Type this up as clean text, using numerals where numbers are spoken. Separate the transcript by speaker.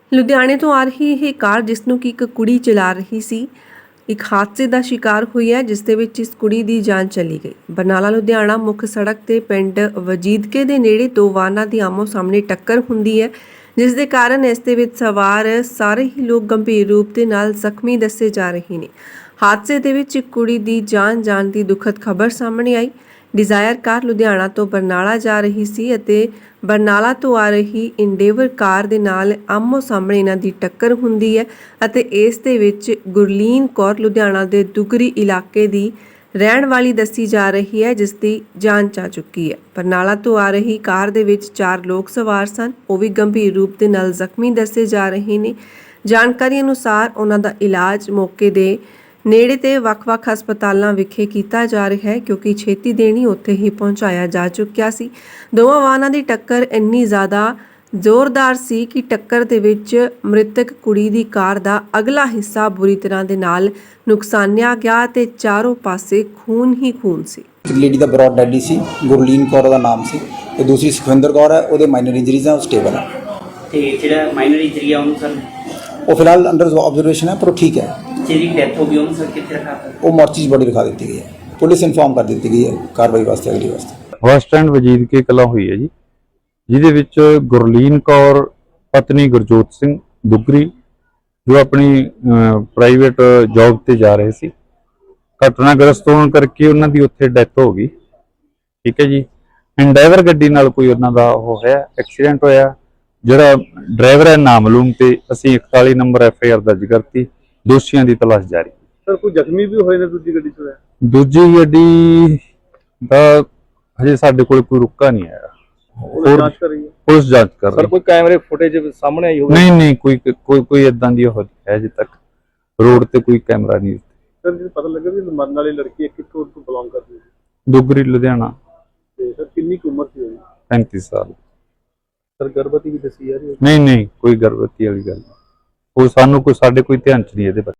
Speaker 1: ਲੁਧਿਆਣੇ ਤੋਂ ਆ ਰਹੀ ਇਹ ਕਾਰ ਜਿਸ ਨੂੰ ਕਿ ਇੱਕ ਕੁੜੀ ਚਲਾ ਰਹੀ ਸੀ ਇੱਕ ਹਾਦਸੇ ਦਾ ਸ਼ਿਕਾਰ ਹੋਈ ਹੈ, ਜਿਸ ਦੇ ਵਿੱਚ ਇਸ ਕੁੜੀ ਦੀ ਜਾਨ ਚਲੀ ਗਈ। ਬਰਨਾਲਾ ਲੁਧਿਆਣਾ ਮੁੱਖ ਸੜਕ ਤੇ ਪਿੰਡ ਵਜੀਦਕੇ ਦੇ ਨੇੜੇ ਦੋ ਵਾਹਨਾਂ ਦੀ ਆਮੋ ਸਾਹਮਣੇ ਟੱਕਰ ਹੁੰਦੀ ਹੈ, ਜਿਸ ਦੇ ਕਾਰਨ ਇਸ ਦੇ ਵਿੱਚ ਸਵਾਰ ਸਾਰੇ ਹੀ ਲੋਕ ਗੰਭੀਰ ਰੂਪ ਦੇ ਨਾਲ ਜ਼ਖਮੀ ਦੱਸੇ ਜਾ ਰਹੇ ਨੇ। ਹਾਦਸੇ ਦੇ ਵਿੱਚ ਇੱਕ ਕੁੜੀ ਦੀ ਜਾਨ ਜਾਣ ਦੀ ਦੁਖਦ ਖਬਰ ਸਾਹਮਣੇ ਆਈ। ਡਿਜ਼ਾਇਰ ਕਾਰ ਲੁਧਿਆਣਾ ਤੋਂ ਬਰਨਾਲਾ ਜਾ ਰਹੀ ਸੀ ਅਤੇ ਬਰਨਾਲਾ ਤੋਂ ਆ ਰਹੀ ਇੰਡੇਵਰ ਕਾਰ ਦੇ ਨਾਲ ਆਮੋ ਸਾਹਮਣੇ ਇਹਨਾਂ ਦੀ ਟੱਕਰ ਹੁੰਦੀ ਹੈ ਅਤੇ ਇਸ ਦੇ ਵਿੱਚ ਗੁਰਲੀਨ ਕੌਰ ਲੁਧਿਆਣਾ ਦੇ ਦੁਗਰੀ ਇਲਾਕੇ ਦੀ ਰਹਿਣ ਵਾਲੀ ਦੱਸੀ ਜਾ ਰਹੀ ਹੈ, ਜਿਸ ਦੀ ਜਾਨ ਜਾ ਚੁੱਕੀ ਹੈ। ਬਰਨਾਲਾ ਤੋਂ ਆ ਰਹੀ ਕਾਰ ਦੇ ਵਿੱਚ 4 ਲੋਕ ਸਵਾਰ ਸਨ, ਉਹ ਵੀ ਗੰਭੀਰ ਰੂਪ ਦੇ ਨਾਲ ਜ਼ਖਮੀ ਦੱਸੇ ਜਾ ਰਹੇ ਨੇ। ਜਾਣਕਾਰੀ ਅਨੁਸਾਰ ਉਹਨਾਂ ਦਾ ਇਲਾਜ ਮੌਕੇ ਦੇ ਨੇੜੇ ਤੇ ਵੱਖ-ਵੱਖ ਹਸਪਤਾਲਾਂ ਵਿਖੇ ਕੀਤਾ ਜਾ ਰਿਹਾ ਹੈ, ਕਿਉਂਕਿ ਛੇਤੀ ਦੇਣੀ ਉੱਥੇ ਹੀ ਪਹੁੰਚਾਇਆ ਜਾ ਚੁੱਕਿਆ ਸੀ। ਦੋਵਾਂ ਵਾਹਨਾਂ ਦੀ ਟੱਕਰ ਇੰਨੀ ਜ਼ਿਆਦਾ ਜ਼ੋਰਦਾਰ ਸੀ ਕਿ ਟੱਕਰ ਦੇ ਵਿੱਚ ਮ੍ਰਿਤਕ ਕੁੜੀ ਦੀ ਕਾਰ ਦਾ ਅਗਲਾ ਹਿੱਸਾ ਬੁਰੀ ਤਰ੍ਹਾਂ ਦੇ ਨਾਲ ਨੁਕਸਾਨਿਆ ਗਿਆ ਤੇ ਚਾਰੋਂ ਪਾਸੇ ਖੂਨ ਹੀ ਖੂਨ ਸੀ।
Speaker 2: ਲੇਡੀ ਦਾ ਬਰੋਡ ਡੈਡੀ ਸੀ, ਗੁਰਲੀਨ ਕੌਰ ਦਾ ਨਾਮ ਸੀ ਤੇ ਦੂਸਰੀ ਸੁਖਵਿੰਦਰ ਕੌਰ ਹੈ, ਉਹਦੇ ਮਾਈਨਰ ਇੰਜਰੀਜ਼ ਆ, ਉਹ ਸਟੇਬਲ ਹੈ।
Speaker 3: ਤੇ ਜਿਹੜਾ ਮਾਈਨਰ ਇੰਜਰੀ ਆ ਉਹਨੂੰ ਸਰ
Speaker 2: ਉਹ ਫਿਲਹਾਲ ਅੰਡਰ ਆਬਜ਼ਰਵੇਸ਼ਨ ਹੈ, ਪਰ ਉਹ ਠੀਕ ਹੈ।
Speaker 3: ਜਿਹਦੀ ਡੈਥ ਹੋ ਗਈ ਉਹਨੂੰ ਸਰ ਕਿੱਥੇ ਰੱਖਾ ਤਾ?
Speaker 2: ਉਹ ਮੋਰਚੀ 'ਚ ਬੋਡੀ ਰਖਾ ਦਿੱਤੀ ਗਈ ਹੈ, ਪੁਲਿਸ ਇਨਫੋਰਮ ਕਰ ਦਿੱਤੀ ਗਈ ਹੈ ਕਾਰਵਾਈ ਵਾਸਤੇ, ਅਗਲੀ ਵਾਸਤੇ।
Speaker 4: ਬੱਸ ਸਟੈਂਡ ਵਜੀਦਕੇ ਕਲਾਂ ਹੋਈ ਹੈ ਜੀ, ਜਿਹਦੇ ਵਿੱਚ ਗੁਰਲੀਨ ਕੌਰ ਪਤਨੀ ਗੁਰਜੋਤ ਸਿੰਘ ਦੁਗਰੀ ਜੋ ਆਪਣੀ ਪ੍ਰਾਈਵੇਟ ਜੌਬ ਤੇ ਜਾ ਰਹੇ ਸੀ, ਘਟਨਾਗ੍ਰਸਤ ਹੋਣ ਕਰਕੇ ਉਹਨਾਂ ਦੀ ਉੱਥੇ ਡੈਥ ਹੋ ਗਈ। ਠੀਕ ਹੈ ਜੀ। ਇੰਡਾਈਵਰ ਗੱਡੀ ਨਾਲ ਕੋਈ ਉਹਨਾਂ ਦਾ ਉਹ ਹੋਇਆ, ਐਕਸੀਡੈਂਟ ਹੋਇਆ। ਜਿਹੜਾ ਡਰਾਈਵਰ ਹੈ ਨਾਮਲੂਮ ਤੇ ਅਸੀਂ 41 ਨੰਬਰ FIR ਦਰਜ ਕਰਤੀ, ਦੋਸ਼ੀਆਂ ਦੀ ਤਲਾਸ਼ ਜਾਰੀ।
Speaker 5: ਸਰ ਕੋਈ ਜ਼ਖਮੀ ਵੀ ਹੋਏ ਨੇ ਦੂਜੀ ਗੱਡੀ 'ਚ?
Speaker 4: ਦੂਜੀ ਗੱਡੀ ਦਾ ਹਜੇ ਸਾਡੇ ਕੋਲ ਕੋਈ ਰੁਕਾ ਨਹੀਂ ਆਇਆ,
Speaker 5: ਜਾਂਚ ਕਰ ਰਹੀ ਹੈ
Speaker 4: ਪੁਲਿਸ ਜਾਂਚ ਕਰ ਰਹੀ
Speaker 5: ਸਰ। ਕੋਈ ਕੈਮਰੇ ਫੁਟੇਜ ਸਾਹਮਣੇ ਆਈ ਹੋਵੇ?
Speaker 4: ਨਹੀਂ ਕੋਈ ਇਦਾਂ ਦੀ ਉਹ ਹੈ ਅਜੇ ਤੱਕ ਰੋਡ ਤੇ ਕੋਈ ਕੈਮਰਾ ਨਹੀਂ।
Speaker 5: ਸਰ ਜੀ ਪਤਾ ਲੱਗਾ ਵੀ ਮਰਨ ਵਾਲੀ ਲੜਕੀ ਕਿੱਥੋਂ ਤੋਂ ਬਿਲੋਂਗ ਕਰਦੀ ਸੀ?
Speaker 4: ਦੁਗਰੀ ਲੁਧਿਆਣਾ।
Speaker 5: ਤੇ ਸਰ ਕਿੰਨੀ ਕੁ ਉਮਰ ਸੀ ਉਹਦੀ?
Speaker 4: 35 ਸਾਲ।
Speaker 5: ਸਰ ਗਰਭਵਤੀ ਵੀ ਦੱਸੀ ਜਾ ਰਹੀ ਹੈ?
Speaker 4: ਨਹੀਂ ਕੋਈ ਗਰਭਵਤੀ ਵਾਲੀ ਗੱਲ ਨਹੀਂ। ਉਹ ਸਾਨੂੰ ਕੋਈ ਸਾਡੇ ਕੋਈ ਧਿਆਨ ਚ ਨਹੀਂ ਇਹਦੇ ਬਾਰੇ।